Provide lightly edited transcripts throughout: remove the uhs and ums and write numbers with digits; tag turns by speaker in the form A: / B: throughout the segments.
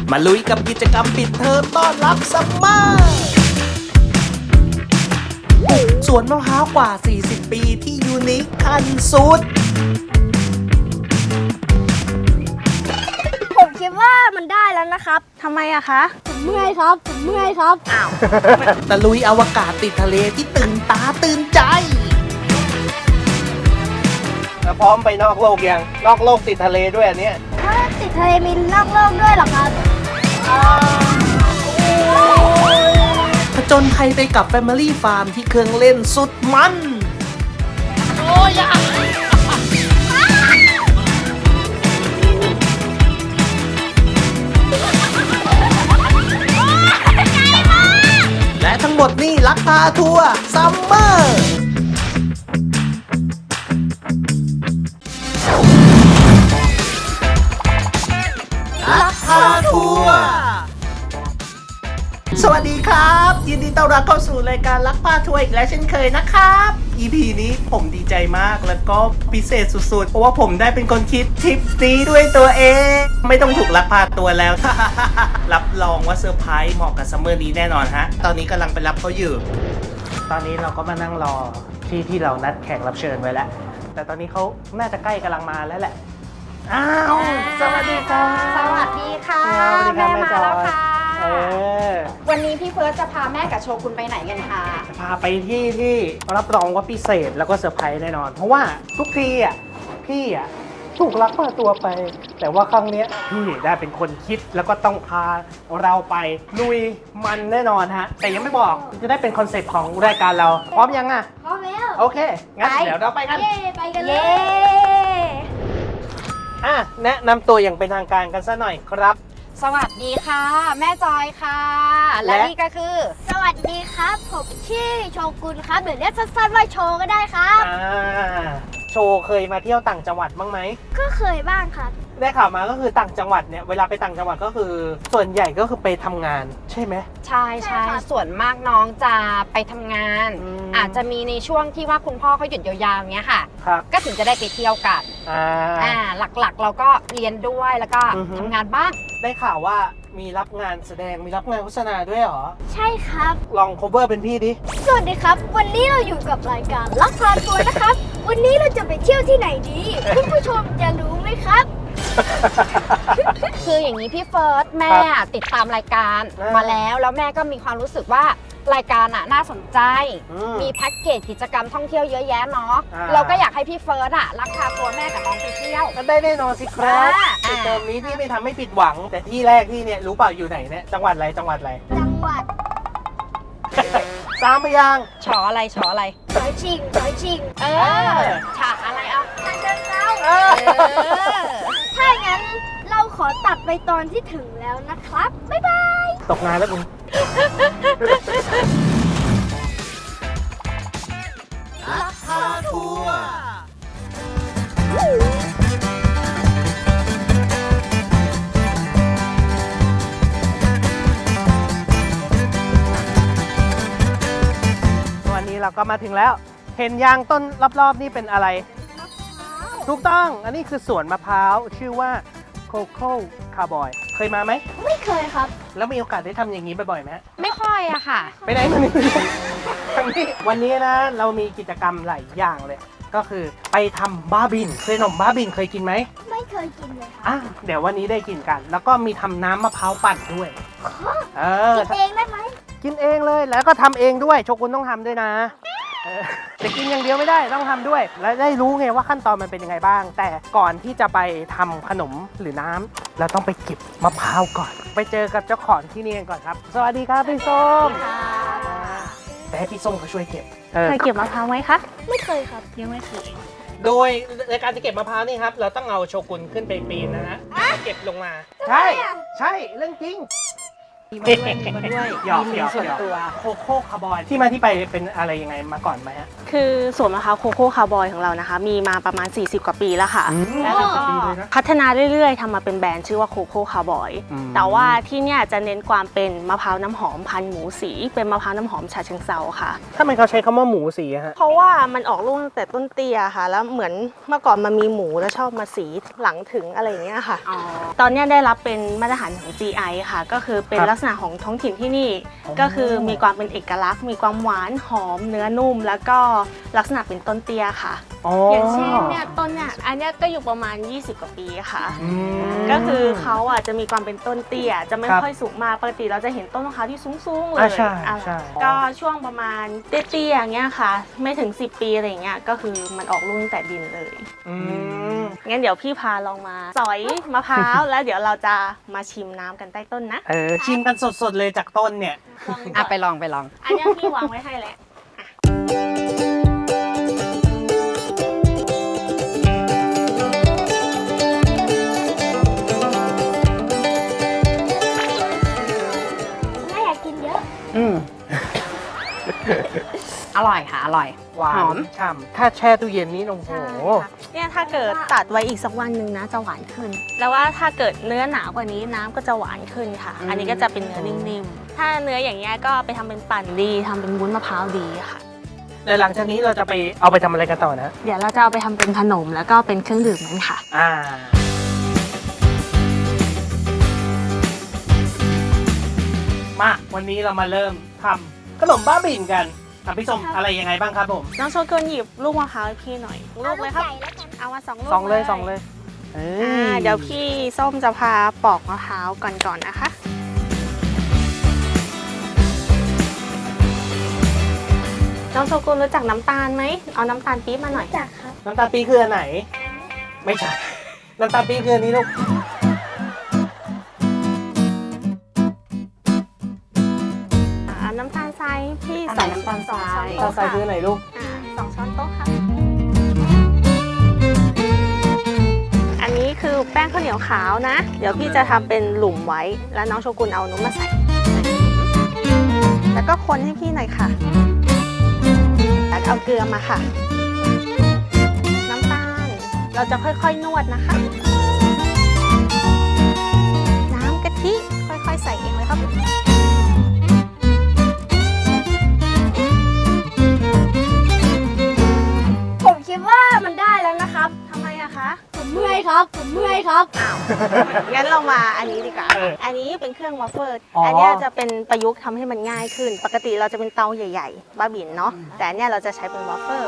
A: มาลุยกับกิจกรรมปิดเทอมต้อนรับซัมเมอร์สวนมะพร้าวกว่า 40 ปีที่ยูนิคขั้นสุด
B: ผมคิดว่ามันได้แล้วนะครับ
C: ทำไมอะคะ
B: ผมเมื่อยครับ ผมเมื่อยครับ
C: อ้าว
A: ตะลุยอวกาศติดทะเลที่ตื่นตาตื่นใจพร้อมไปนอกโลกยังนอกโลกติดทะเลด้วยอันเนี้ย
B: ถ้าติดทะเลมีนอกโลกด้วยเหรอครับ
A: ผจญภัยไปกับ Family Farm ที่เครื่องเล่นสุดมันและทั้งหมดนี่ลักพาทัวร์ซัมเมอร์ลักพาทัวร์สวัสดีครับ ยินดีต้อนรับเข้าสู่รายการลักพาทัวร์อีกแล้วเช่นเคยนะครับ EP นี้ผมดีใจมากแล้วก็พิเศษสุดๆเพราะว่าผมได้เป็นคนคิดทริปนี้ด้วยตัวเอง ไม่ต้องถูกลักพาตัวแล้ว รับรองว่าเซอร์ไพรส์เหมาะกับซัมเมอร์นี้แน่นอนฮะตอนนี้กำลังไปรับเขาอยู่ ตอนนี้เราก็มานั่งรอที่เรานัดแขกรับเชิญไว้แล้ว แต่ตอนนี้เขาน่าจะใกล้กำลังมาแล้วแหละอ้าวสวัสดีครับ
C: สวัสดีค่ะ
A: สวัสดีครับ
C: แม่มาแล้วค่ะ
A: อ
C: วันนี้พี่เฟิร์สจะพาแม่กับโชกุนไปไหนกันคะ
A: จะพาไปที่รับรองว่าพิเศษแล้วก็เซอร์ไพรส์แน่นอน เพราะว่าทุกทีอ่ะพี่อ่ะถูกลักพาตัวไป แต่ว่าครั้งเนี้ยพี่ได้เป็นคนคิดแล้วก็ต้องพาเราไปลุยมันแน่นอนฮะแต่ยังไม่บอกจะได้เป็นคอนเซ็ปต์ของรายการเราพร้อมยังอ่ะ
B: พร้อมแล้ว
A: โอเคงั้นเดี๋ยวเราไปกัน
B: เย้ไปกันเล
C: เย้
B: ย
A: แนะนำตัวอย่างเป็นทางการกันซะหน่อยครับ
C: สวัสดีค่ะ แม่จอยค่ะ และ
A: และ
C: นี่ก็คือ
B: สวัสดีครับ ผมชื่อโชกุนครับหรือเรียกสั้นๆว่าโชก็ได้ครับ
A: โชว์เคยมาเที่ยวต่างจังหวัดบ้างไหม
B: ก็เคยบ้างครับ
A: ได้ข่าวมาก็คือต่างจังหวัดเนี่ยเวลาไปต่างจังหวัดก็คือส่วนใหญ่ก็คือไปทำงานใช่ไหม
C: ใช่
B: ใช่
C: ใช่
B: ครับ
C: ส่วนมากน้องจะไปทำงาน
A: อืม
C: อาจจะมีในช่วงที่ว่าคุณพ่อเขาหยุดยาวๆอย่างเงี้ยค่ะ
A: ครับ
C: ก็ถึงจะได้ไปเที่ยวกัน หลักๆเราก็เรียนด้วยแล้วก็
A: อือฮึ
C: ทำงานบ้าง
A: ได้ข่าวว่ามีรับงานแสดงมีรับงานโฆษณาด้วยเหรอ
B: ใช่ครับ
A: ลอง cover เป็นพี่ดิ
B: สวัสดีครับ วันนี้เราอยู่กับรายการลักพาทัวร์นะครับ วันนี้เราจะไปเที่ยวที่ไหนดี คุณผู้ชมจะรู้ไหมครับ
C: คืออย่างนี้พี่เฟิร์สแม่ติดตามรายการ
A: อ่าม
C: มาแล้วแม่ก็มีความรู้สึกว่ารายการน่าสนใจ
A: อืม
C: มีแพ็กเกจกิจกรรมท่องเที่ยวเยอะแยะเนาะ
A: อ่า
C: เราก็อยากให้พี่เฟิร์สลักพาตัวแม่กับน้องไปเที่ยว
A: ก็ได้แน่นอนสิครับ
C: อ่า
A: ในเทอมนี้พี่ไม่ทำให้ผิดหวัง แต่ที่แรกที่เนี่ยรู้เปล่าอยู่ไหนเนี่ยจังหวัดอะไรจังหวัดอะไร
B: จังหวัด
A: สามพยางค์
C: ฉออะไรฉออะไร
B: ถอยชิงถอยชิง
C: เออฉากอะไรเอา
B: ทางเดินเรา
A: เออ
B: ถ้าอย่างนั้นเราขอตัดไปตอนที่ถึงแล้วนะครับ บ๊ายบาย
A: ตกงานแล้วมึงลักพาทัวร์วันนี้เราก็มาถึงแล้ว เห็นยางต้นรอบๆนี่เป็นอะไร ถูกต้อง อันนี้คือสวนมะพร้าว ชื่อว่าโคโค่คาร์บอยเคยมาไหม
B: ไม่เคยครับ
A: แล้วมีโอกาสได้ทำอย่างนี้บ่อยๆไหม
C: ไม่ค่อยอะค่ะ
A: ไปไหนมานี่ทางนี้วันนี้นะเรามีกิจกรรมหลายอย่างเลย ก็คือไปทำบ้าบินเคยขนมบ้าบินเคยกินไหม
B: ไม่เคยกินเลยครับ
A: อ่ะเดี๋ยววันนี้ได้กินกัน แล้วก็มีทำน้ำมะพร้าวปั่นด้วย เออ
B: กินเองได้ไหม
A: กินเองเลยแล้วก็ทำเองด้วยโชกุนต้องทำด้วยนะแต่กินอย่างเดียวไม่ได้ต้องทำด้วย แล้วได้รู้ไงว่าขั้นตอนมันเป็นยังไงบ้าง แต่ก่อนที่จะไปทำขนมหรือน้ำเราต้องไปเก็บมะพร้าวก่อน ไปเจอกับเจ้าของที่นี่กันก่อนครับ สวัสดีครับพี่ส้มแต่ให้พี่ส้มเขาช่วยเก็บ
C: เคยเก็บมะพร้าวไหมคะ
B: ไม่เคยครับ
C: ยังไม่เคย
A: โดยในการจะเก็บมะพร้าวนี่ครับเราต้องเอาโชกุนขึ้นไปปีนนะฮะแล้วเก็บลงมา ใช่ ใช่เรื่องจริง
C: มีมาด้วย
A: หยอก
C: มี
A: หยอก
C: ส่วน
A: หยอก
C: ตัว
A: โคโค่คาร์บอยที่มาที่ไปเป็นอะไรยังไงมาก่อนไหมฮะ
D: คือสวนมะพร้าวโคโค่คาร์บอยของเรานะคะ มีมาประมาณ 40 กว่าปีแล้วค่ะ
A: แล้วจะดีเลยนะ
D: พัฒนาเรื่อยๆทำมาเป็นแบรนด์ชื่อว่าโคโค่คาร์บอย
A: อืม
D: แต่ว่าที่เนี่ยจะเน้นความเป็นมะพร้าวน้ำหอมพันธุ์หมูสี เป็นมะพร้าวน้ำหอมฉะเชิงเซาค่ะ
A: ถ้าไมเขาใช้คำว่าหมูสีอะฮะ
D: เพราะว่ามันออกลูกตั้งแต่ต้นเตี้ยค่ะ แล้วเหมือนเมื่อก่อนมันมีหมูแล้วชอบมาสีหลังถึงอะไรอย่างเงี้ยค่ะ
C: อ๋อ
D: ตอนเนี้ยได้รับเป็นมาตรฐานของ GI ค่ะ ก็คือเป็น
A: ครับ
D: ลักษณะของท้องถิ่นที่นี่
A: อ๋อ
D: ก็คือมีความเป็นเอกลักษณ์ มีความหวานหอมเนื้อนุ่ม แล้วก็ลักษณะเป็นต้นเตี้ยค่ะ อย่างเช่นเนี่ยต้นเนี่ยอันเนี้ยก็อยู่ประมาณ 20 กว่าปีค่ะ
A: อืม
D: ก็คือเขาอ่ะจะมีความเป็นต้นเตี้ย จะไม่
A: ครับ
D: ค่อยสูงมาก ปกติเราจะเห็นต้นมะพร้าวที่สูงๆเลย
A: อ่าใช่
D: อ่ะ
A: ใช่
D: ก็ช่วงประมาณเตี้ยๆอย่างเงี้ยค่ะ ไม่ถึง 10 ปีอะไรอย่างเงี้ย ก็คือมันออกลูกตั้งแต่ดินเลย
A: อืม
D: งั้นเดี๋ยวพี่พาลองมาสอยมะพร้าว แล้วเดี๋ยวเราจะมาชิมน้ำกันใต้ต้นนะ
A: ชิมกันสดๆเลยจากต้นเนี่ย
C: อ่ะไปลอง
D: อันเนี้ยพี่วางไว้ให้แล้ว
B: ไม่อยากกินเยอะ
A: อืม
C: อร่อยค่ะ อร่อย
A: หวา
C: หอม
A: นฉ่ำถ้าแช่ตู้เย็นนี่โอ้โห
D: ใช่ค่ะเนี่ยถ้าเกิดตัดไว้อีกสักวันหนึ่งนะจะหวานขึ้น แล้วว่าถ้าเกิดเนื้อหนากว่านี้น้ำก็จะหวานขึ้นค่ะ อันนี้ก็จะเป็นเนื้อนิ่มๆ ถ้าเนื้ออย่างเงี้ยก็ไปทำเป็นปั่นดีทำเป็นวุ้นมะพร้าวดีค่ะ
A: เดี๋ยวหลังจากนี้เราจะไปเอาไปทำอะไรกันต่อนะ
D: เดี๋ยวเราจะเอาไปทำเป็นขนมแล้วก็เป็นเครื่องดื่มนั้นค่ะ
A: มาวันนี้เรามาเริ่มทำขนมบ้าบิ่นกันพี่ส้มอะไรยังไงบ้างครับผม
D: น้องโชกุนหยิบลูกมะพร้าวให้พี่หน่อยลูกเลยครับ
B: อาลูกใหญ่แล้วกัน
D: เอามาสองลูก
A: สองเลยเอ้ย
D: เดี๋ยวพี่ส้มจะพาปอกมะพร้าวก่อนนะคะ น้องโชกุนรู้จักน้ำตาลไหม เอาน้ำตาลปี๊บมาหน่อย
B: จักครับ
A: น้ำตาลปี๊บคืออันไหน ไม่ใช่ น้ำตาลปี๊บคืออันนี้ลูก
D: เอาน้ำตาลทรายพี่
C: อันไหนน้ำตาลทราย
A: น้ำตาลทรายคืออันไหนลูก
D: 2 ช้อนโต๊ะค่ะ อันนี้คือแป้งข้าวเหนียวขาวนะ เดี๋ยวพี่จะทำเป็นหลุมไว้ แล้วน้องโชกุนเอานุ่มมาใส่ แล้วก็คนให้พี่หน่อยค่ะ แล้วเอาเกลือมาค่ะ น้ำตาล เราจะค่อยๆนวดนะคะ น้ำกะทิค่อยๆใส่เองเลยครับ
B: ผมคิดว่ามันได้แล้วนะครับ
D: ทำไมอะคะ
B: ผมเมื่อยครับ ผมเมื่อยครับ
D: งั้นเรามาอันนี้ดีกว่า
A: เออ
D: อันนี้เป็นเครื่องวัฟเฟิล
A: อ๋ออั
D: อันเนี้ยจะเป็นประยุกต์ทำให้มันง่ายขึ้น ปกติเราจะเป็นเตาใหญ่ๆ บ้าบินเนาะ แต่อันเนี้ยเราจะใช้เป็นวัฟเฟิล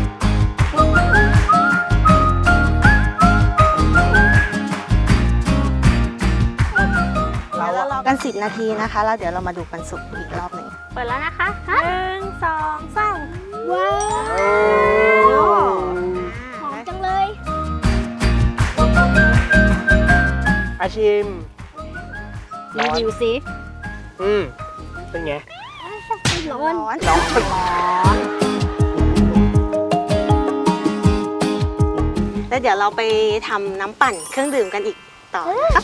D: แล้วเรารอกัน 10 นาทีนะคะ แล้วเดี๋ยวเรามาดูกันสุกอีกรอบหนึ่งเปิดแล้วนะคะ1 2 3
B: ว้าว
A: โอ้
B: หอมจังเลย
A: อาชิม
B: รีวิวซิ
A: เป็นไง
B: ร้อน
D: ร้อน
A: ร้อน
D: แล้วเดี๋ยวเราไปทำน้ำปั่นเครื่องดื่มกันอีกต่อครับ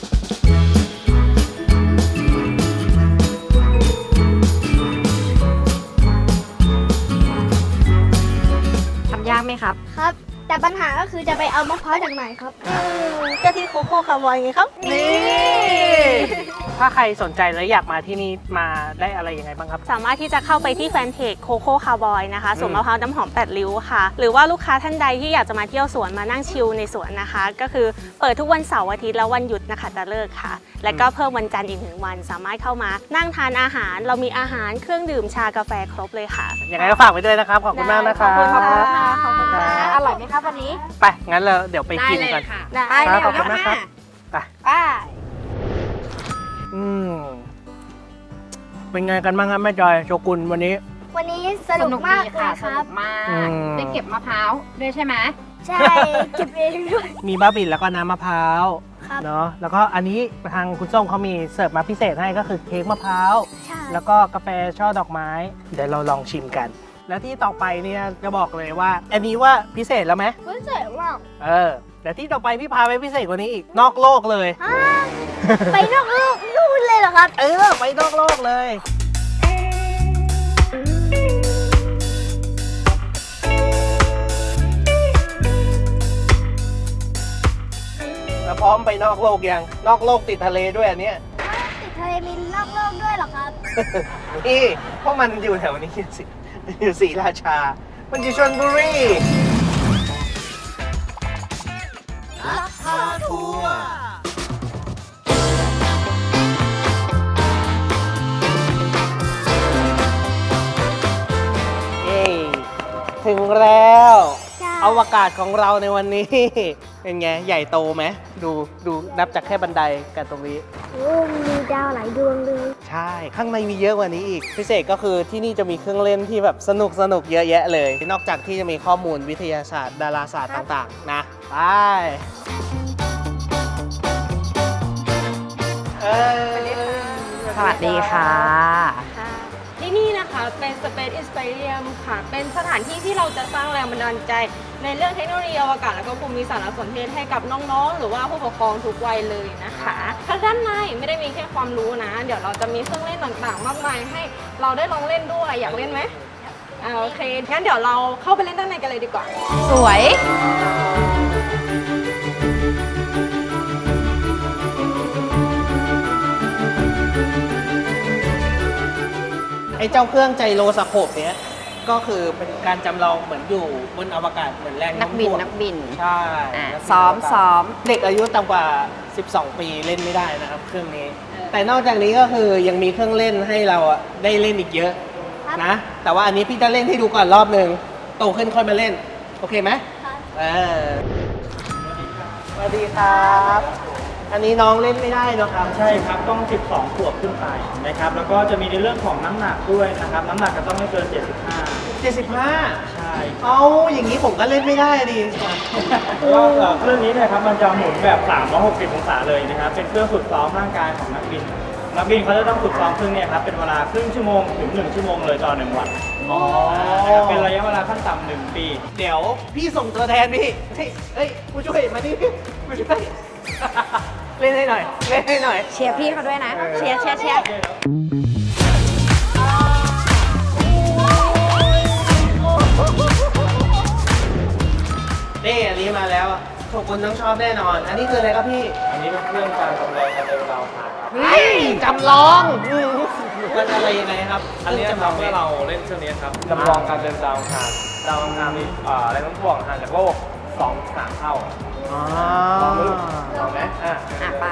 C: ทำยากไหมครับ
B: ครับ แต่ปัญหาก็คือจะไปเอามะพร้าวจากไหนครับ
D: ก็ที่โคโค่คาร์บอยไงครับ
A: นี่ ถ้าใครสนใจแล้วอยากมาที่นี่มาได้อะไรยังไงบ้างครับ
D: สามารถที่จะเข้าไปที่แฟนเพจโคโค่คาร์บอยนะคะสวนมะพร้าวน้ำหอม8ริ้วค่ะ หรือว่าลูกค้าท่านใดที่อยากจะมาเที่ยวสวนมานั่งชิลในสวนนะคะ ก็คือเปิดทุกวันเสาร์อาทิตย์และวันหยุดนะคะตะเลิกค่ะ และก็เพิ่มวันจันทร์อีก1 วัน สามารถเข้ามานั่งทานอาหาร เรามีอาหารเครื่องดื่มชากาแฟครบเลยค่ะ
A: ยังไงก็ฝากไว้ด้วยนะครับ ขอบคุณมากนะครับ
D: ขอบคุณค่ะขอบคุณค่ะ
C: อร่อยไหมครับวันนี้
A: ไป งั้นเราเดี๋ยวไปกินกัน
C: ค่ะ
D: ได้
C: ไปเร็ว
A: ขอบคุณมากครับ ไป
C: ไป
A: อืม เป็นไงกันบ้างครับแม่จอยโชกุนวันนี้
B: วันนี้ส
C: ส
B: นุ
C: นุ
B: ก
C: ก
B: มาก
C: ดี
B: เล
C: ค่ะ
B: ย
C: ส
B: ครั
C: นุ
B: บ
C: กมาก
A: อืม
C: ได้เก็บมะพร้าวด้วยใช่ไหม
B: ใช่ เก็บเองด้วย
A: มีบ้าบินแล้วก็น้ำมะพร้าว
B: ครับ
A: เนาะ แล้วก็อันนี้ทางคุณส้มเขามีเสิร์ฟมาพิเศษให้ก็คือเค้กมะพร้าว
B: ใช่
A: แล้วก็กาแฟช่อดอกไม้ เดี๋ยวเราลองชิมกัน แล้วที่ต่อไปเนี่ยจะบอกเลยว่า อันนี้ว่าพิเศษแล้วไหม
B: รู้สึกว่า
A: แต่ที่ต่อไปพี่พาไปพิเศษกว่านี้อีก นอกโลกเลย
B: ไปนอกโลกนู่นเลยเหรอแล้วครับ
A: ไปนอกโลกเลยแล้วพร้อมไปนอกโลกยังนอกโลกติดทะเลด้วยอันเนี้ย
B: ติดทะเลมีนอกโลกด้วยเหรอครับ
A: นี่เพราะมันอยู่แถวนี้สิอยู่ศรีราชา มันอยู่ชลบุรีลักพาทัวร์เย้ถึงแล้ว
B: ใช่
A: อวกาศของเราในวันนี้ เป็นไง ใหญ่โตไหมดูนับจากแค่บันไดกันตรงนี้
B: โอ้มีดาวหลายดวงเลย
A: ใช่ ข้างในมีเยอะกว่านี้อีก พิเศษก็คือที่นี่จะมีเครื่องเล่นที่แบบสนุกเยอะแยะเลย นอกจากที่จะมีข้อมูลวิทยาศาสตร์ ดาราศาสตร์ต่างๆ นะ ไป
C: สวัสดีค่ะ
D: ค่ะที่นี่นะคะเป็น Space Inspirium ค่ะ เป็นสถานที่ที่เราจะสร้างแรงบันดาลใจ ในเรื่องเทคโนโลยีอวกาศและก็ภูมิสารสนเทศให้กับน้องๆ หรือว่าผู้ปกครองทุกวัยเลยนะคะทางด้านในไม่ได้มีแค่ความรู้นะ เดี๋ยวเราจะมีเครื่องเล่นต่างๆ มากมายให้เราได้ลองเล่นด้วย อยากเล่นไหมโอเค งั้นเดี๋ยวเราเข้าไปเล่นด้านในกันเลยดีกว่า
C: สวย
A: ไอ้เจ้าเครื่องไจโรสโคปเนี้ยก็คือเป็นการจำลองเหมือนอยู่บนอวกาศเหมือนแรง
C: นัก
A: โน้ม
C: บิน
A: ถ่วง
C: นักบิน
A: ใช่
C: อ่ะ
A: นักบิน
C: ซ้อม
A: วกาศ
C: ซ้อม
A: เด็กอายุต่ำกว่า 12 ปีเล่นไม่ได้นะครับเครื่องนี้ แต่นอกจากนี้ก็คือยังมีเครื่องเล่นให้เราอะได้เล่นอีกเยอะ
B: ครับ
A: นะ แต่ว่าอันนี้พี่จะเล่นให้ดูก่อนรอบหนึ่งโตขึ้นค่อยมาเล่น โอเคไหม
B: ครับ
A: สวัสดีครับ อันนี้น้องเล่นไม่ได้เนอะครับ
E: ใช่ครับ ต้อง 12 ขวบขึ้นไปนะครับ แล้วก็จะมีในเรื่องของน้ำหนักด้วยนะครับ น้ำหนักก็ต้องไม่เกิน 75
A: 75
E: ใช่
A: เอาอย่างนี้ผมก็เล่นไม่ได้ดิ
E: เพราะว่าเครื่องนี้เนะครับมันจะหมุนแบบ 360 องศาเลยนะครับ เป็นเครื่องฝึกซ้อมร่างกายของนักบิน นักบินเขาจะต้องฝึกซ้อมเครื่องเนี้ครับ เป็นเวลาครึ่งชั่วโมงถึง 1 ชั่วโมงเลยต่อ 1 วัน
A: อ๋อ
E: นะครับเป็นระยะเวลาขั้นต่ำ1 ปี
A: เดี๋ยวพี่ส่งตัวแทนพี่เฮ้ยผู้ช่วยมานี่พี่ผู้ช่วย เล่นให้หน่อย เล่นให้หน่อย
C: เชียร์พี่เขาด้วยนะ เชียร์เชียร์เชียร์
A: นี่อันนี้มาแล้วทุกคนต้องชอบแน่นอน อันนี้คืออะไรครับพี่
E: อันนี้เป็นเครื่องการจำลองการเดินดาวครับ
A: จำลองมันอะไรยังไงครับ
E: อันนี้ทำให้เราเล่นเครื่องนี้ครับจำลองการเดินดาวอังคารดาวอังคารมีแรงโน้มถ่วงห่างจากโลก 2-3 เท่า
A: อ๋อ
E: ลองดูลองไหม
C: อ่ะไป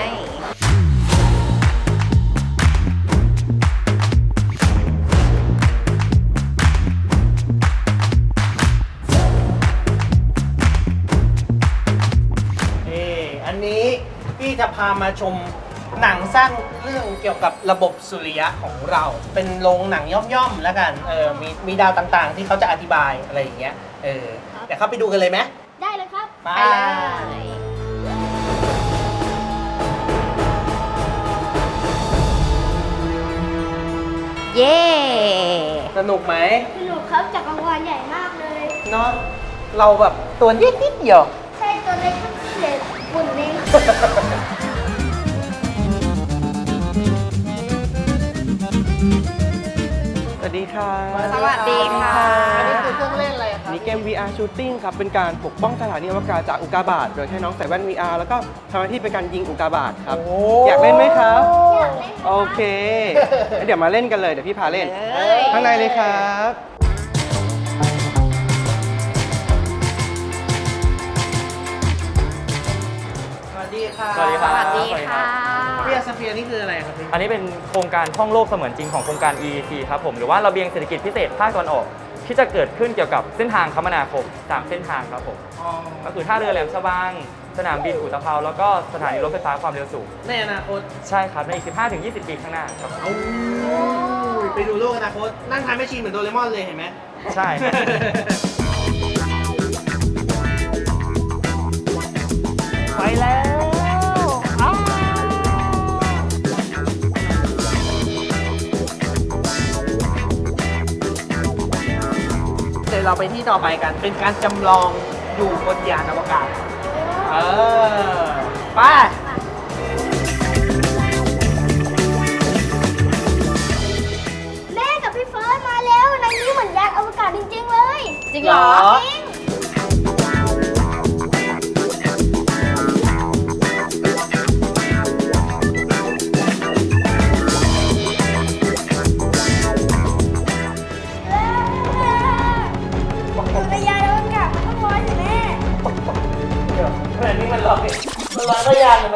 A: อันนี้พี่จะพามาชมหนังสร้างเรื่องเกี่ยวกับระบบสุริยะของเรา เป็นโรงหนังย่อมๆแล้วกัน มีดาวต่างๆ ที่เขาจะอธิบายอะไรอย่างเงี้ย เดี๋ยวเข้าไปดูกันเลยไหม
B: ได้เลยครับ
A: ไป
C: ไปเลย เย้
A: สนุกไหม
B: สนุกครับจักรวาลใหญ่มากเลย
A: เนาะเราแบบตัวนิดเดียว
B: ใช่ตัวเล็กก็เศษฝุ่นเอง
F: สวัสดีค่ะ
C: สวัสดีค่ะ
A: อันนี้คือเครื่องเล่นอะไรค
F: อั
A: รับ
F: นนี้เกม VR Shooting ครับ เป็นการปกป้องสถานีอวกาศจากอุกกาบาต โดยให้น้องใส่แว่น VR แล้วก็ทำหน้าที่เป็นการยิงอุกกาบาตครับ
A: โอ้
F: อยากเล่นไหมครับ
B: อยากเล่น
F: โอเคงั้นเดี๋ยวมาเล่นกันเลย เดี๋ยวพี่พาเล่น
C: เอ้ย
F: ข้างในเลยครับ
A: สวัสดีค่ะ
E: สวัสดีค
C: ส
E: รับ
C: วัสดีค่ะ
A: เฟียสเฟียนี่คืออะไรครับพี่
E: อันนี้เป็นโครงการท่องโลกเสมือนจริงของโครงการ EET ครับผม หรือว่าระเบียงเศรษฐกิจพิเศษภาคตะวันออก ที่จะเกิดขึ้นเกี่ยวกับเส้นทางคมนาคม3เส้นทางครับผม ก็คือท่าเรือแหลมฉบัง สนามบินอุตภาวแล้วก็สถานีรถไฟฟ้าความเร็วสูง
A: ในอนาคต
E: ใช่ครับ ในอีก 15-20 ปีข้างหน้าครับ
A: ไปดูโลกอนาคต นั่งทานแมชชีนเหมือนโดเรมอนเลยเห็นไหม
E: ใช่ครับ
A: ไปแล้วเดี๋ยวเราไปที่ต่อไปกัน เป็นการจำลองอยู่บนยานอวกาศ ไป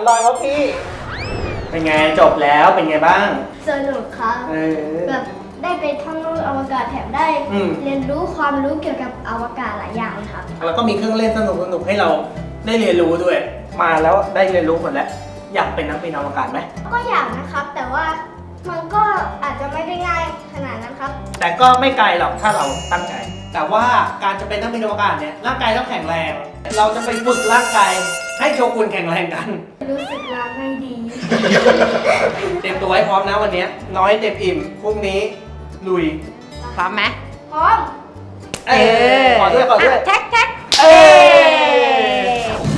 A: อยครับพี่ เป็นไงจบแล้วเป็นไงบ้าง
B: สนุกครับ แบบได้ไปท่องโลกอวกาศแถมได้ เรียนรู้ความรู้เกี่ยวกับอวกาศหลายอย่างครับ
A: แล้วก็มีเครื่องเล่นสนุกๆให้เราได้เรียนรู้ด้วย มาแล้วได้เรียนรู้หมดแล้ว อยากเป็นนักบินอวกาศไหม
B: ก็อยากนะครับ แต่ว่ามันก็อาจจะไม่ได้ง่ายขนาดนั้นครับ
A: แต่ก็ไม่ไกลหรอกถ้าเราตั้งใจ แต่ว่าการจะเป็นนักบินอวกาศเนี่ยร่างกายต้องแข็งแรง เราจะไปฝึกร่างกายให้โชกุนแข็งแรงกัน
B: รู้สึกล้าไม่ดี
A: เตรียมตัวไว้พร้อมนะวันนี้น้อยเต็มอิ่มพรุ่งนี้ลุย
C: พร้อมไหม
B: พร้อม
A: ขอด้วยขอด้วย
C: แท็กแท็ก
A: เอ้ย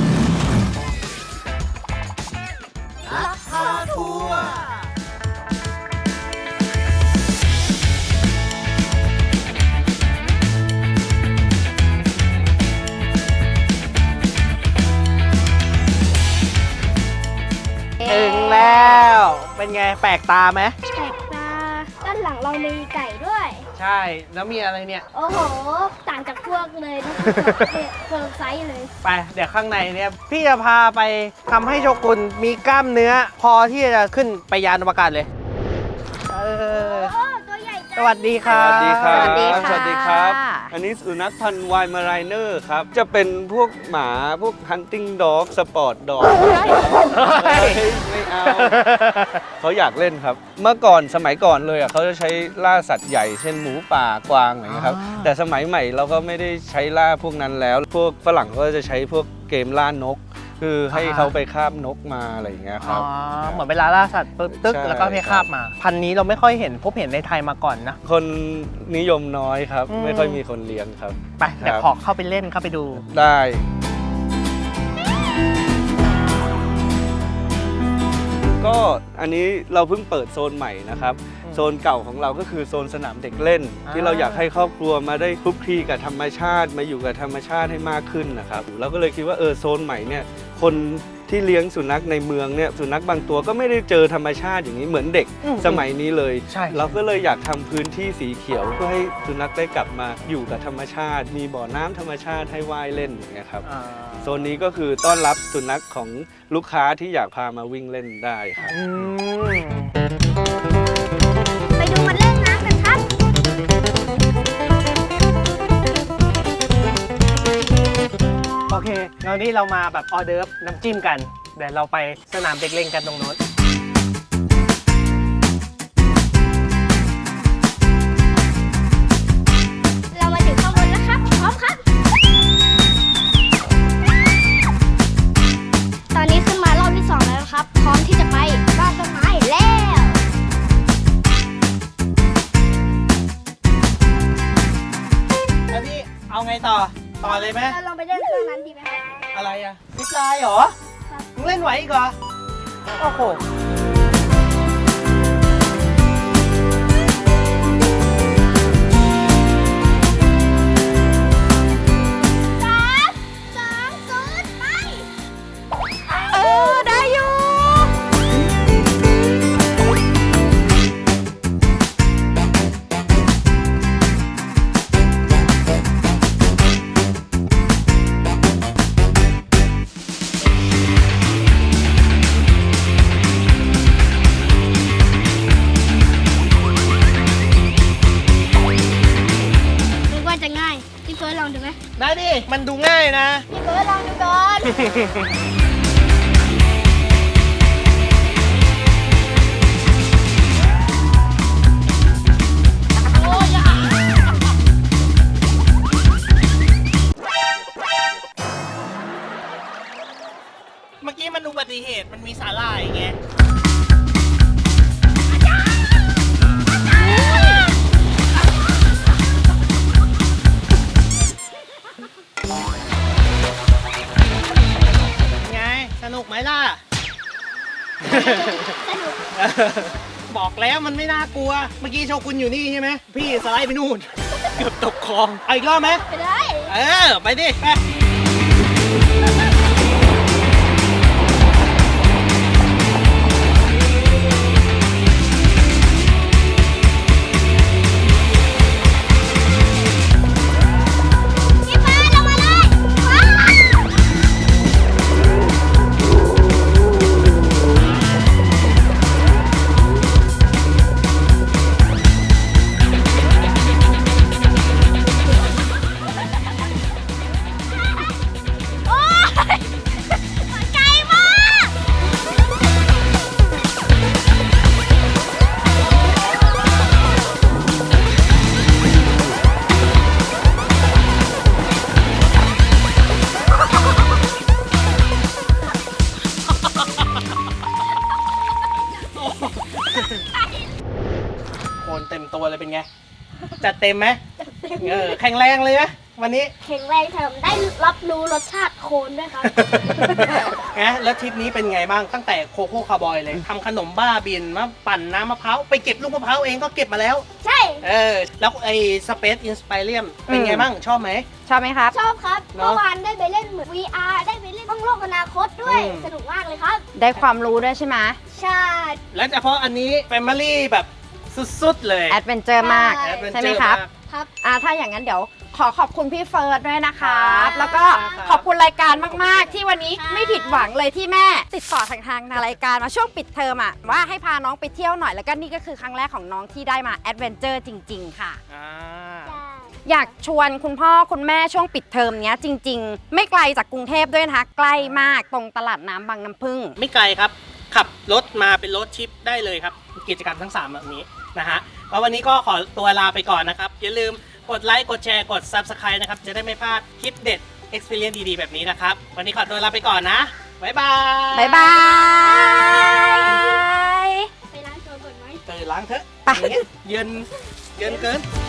A: ถึงแล้ว เป็นไงแปลกตาไหม
B: แปลกตาด้านหลังเรามีไก่ด้วย
A: ใช่ แล้วมีอะไรเนี่ย
B: โอ้โห ต่างจากพวกเลยนะเฟิร์มไซส์เลย
A: ไป เดี๋ยวข้างในเนี่ย พี่จะพาไปทำให้โชกุนมีกล้ามเนื้อ พอที่จะขึ้นไปยานอวกาศเลย
B: โอ้ ตัวใหญ่จัง
A: สวัสดีครับ
G: สวัสดีครับ
C: สวัสดีค่ะ
G: สวัสดีครับ อันนี้สุนัขพันธุ์ไวน์มาไรเนอร์ครับ จะเป็นพวกหมาพวก hunting dog sport dog ไม่เอา เขาอยากเล่นครับ เมื่อก่อนสมัยก่อนเลยอ่ะเขาจะใช้ล่าสัตว์ใหญ่เช่นหมูป่ากวางอะไรอย่างเงี้ยครับ แต่สมัยใหม่เราก็ไม่ได้ใช้ล่าพวกนั้นแล้ว พวกฝรั่งก็จะใช้พวกเกมล่านก คือให้เขาไปคาบนกมาอะไรอย่างเงี้ยครับ
A: เหมือนเวลาล่าสัตว์ปึ๊บตึ๊ก
G: ใช่
A: แล้วก็ให้คาบมา พันธุ์นี้เราไม่ค่อยเห็นพบเห็นในไทยมาก่อนนะ
G: คนนิยมน้อยครับ
A: อืม
G: ไม่ค่อยมีคนเลี้ยงครับ
A: ไปเดี๋ยวขอเข้าไปเล่นเข้าไปดู
G: ได้ ก็อันนี้เราเพิ่งเปิดโซนใหม่นะครับ โซนเก่าของเราก็คือโซนสนามเด็กเล่น ที่เราอยากให้ครอบครัวมาได้คลุกคลีกับธรรมชาติมาอยู่กับธรรมชาติให้มากขึ้นนะครับเราก็เลยคิดว่าโซนใหม่เนี่ยคนที่เลี้ยงสุนัขในเมืองเนี่ยสุนัขบางตัวก็ไม่ได้เจอธรรมชาติอย่างนี้เหมือนเด็กสมัยนี้เลย
A: ใช่
G: เราก็เลยอยากทำพื้นที่สีเขียวเพื่อให้สุนัขได้กลับมาอยู่กับธรรมชาติ มีบ่อน้ำธรรมชาติให้ว่ายเล่นอย่างเงี้ยครับ โซนนี้ก็คือต้อนรับสุนัขของลูกค้าที่อยากพามาวิ่งเล่นได้ครับ
B: ไปดูมันเล่นน้ำกันครับ
A: โอเคงั้นนี้เรามาแบบออเดิร์ฟน้ำจิ้มกัน เดี๋ยวเราไปสนามเด็กเล่นกันตรงโน้น
B: เรามาถึงข้างบนแล้วครับ พร้อมครับ ตอนนี้ขึ้นมารอบที่ 2 แล้วนะครับ พร้อมที่จะไปบ้านต้นไม้แล้ว
A: แล้วพี่เอาไงต่อ ต่อเลยไหม
B: เราลองไปเล่นเครื่องนั้นดีไหมครับ
A: อะไรอะซิปไลน์เหรอ
B: ครับ
A: มึงเล่นไหวอีกเหรอ โอ้โห
B: 3 2 0 ไป
C: ได้อยู่
B: นึกว่าจะง่าย พี่เฟิร์สลองดูไหม
A: ได้ดิ มันดูง่ายนะ
B: พี่เฟิร์สลองดูก่อน
A: เมื่อกี้มันอุบัติเหตุ มันมีสาหร่ายไง ไง สนุกไหมล่ะ บอกแล้วมันไม่น่ากลัว เมื่อกี้โชกุนอยู่นี่ใช่ไหม พี่สไลด์ไปนู่น เกือบตกคลอง เอาอีกรอบไหม
B: ไปได้
A: ไปดิ ไปคนเต็มตัวเลยเป็นไง จัดเต็มไหมแข็งแรงเลยไหมวันนี้
B: แข็งแรงแถมได้รับรู้รสชาติโคนด้วยครับ
A: แล้วทริปนี้เป็นไงบ้างตั้งแต่โคโค่คาร์บอยเลยทำขนมบ้าบินมาปั่นน้ำมะพร้าวไปเก็บลูกมะพร้าวเองก็เก็บมาแล้ว
B: ใช่
A: แล้วไอ้สเปซอินสไปเรียมเป็นไงบ้างชอบไหม
C: ชอบไหมครับ
B: ชอบครับ
A: เนอะ
B: เมื่อวานได้ไปเล่นเหมือน VR ได้ไปเล่นห้องโลกอนาคตด้วย สนุกมากเลยครับ
C: ได้ความรู้ด้วยใช่ไหม
B: ใช่
A: และเฉพาะอันนี้แฟมิลี่แบบสุดๆเลย
C: แอดเวนเจอร์มาก
B: ใช่
A: Adventure
C: ใช่ไหมครับ
A: มาก
B: ครับ
C: ถ้าอย่างนั้นเดี๋ยวขอบคุณพี่เฟิร์สด้วยนะครับ
B: ครับ
C: แล้วก็ขอบคุณรายการมากๆ ที่วันนี้
B: ครับ
C: ไม่ผิดหวังเลยที่แม่ติดต่อทางรายการมาช่วงปิดเทอมอะว่าให้พาน้องไปเที่ยวหน่อยแล้วก็นี่ก็คือครั้งแรกของน้องที่ได้มาแอดเวนเจอร์จริง ๆ ค่ะ
A: อ่า
B: ใช่
C: อยากชวนคุณพ่อคุณแม่ช่วงปิดเทอมเนี้ยจริง ๆ ไม่ไกลจากกรุงเทพด้วยนะคะใกล้มากตรงตลาดน้ำบางน้ำพึ่ง
A: ไม่ไกลครับ ขับรถมาเป็นรถชิปได้เลยครับ กิจกรรมทั้ง 3 แบบนี้นะฮะแล้ววันนี้ก็ขอตัวลาไปก่อนนะครับ อย่าลืมกดไลค์กดแชร์กด Subscribe นะครับ จะได้ไม่พลาดคลิปเด็ด Experience ดีๆ แบบนี้นะครับ วันนี้ขอตัวลาไปก่อนนะ บ๊ายบาย
C: บ๊ายบาย
B: ไปร้านโซนก่อนไหม
A: ล้างเถอะ
C: ไป
A: อย่างเงี้ยเย็นเกิน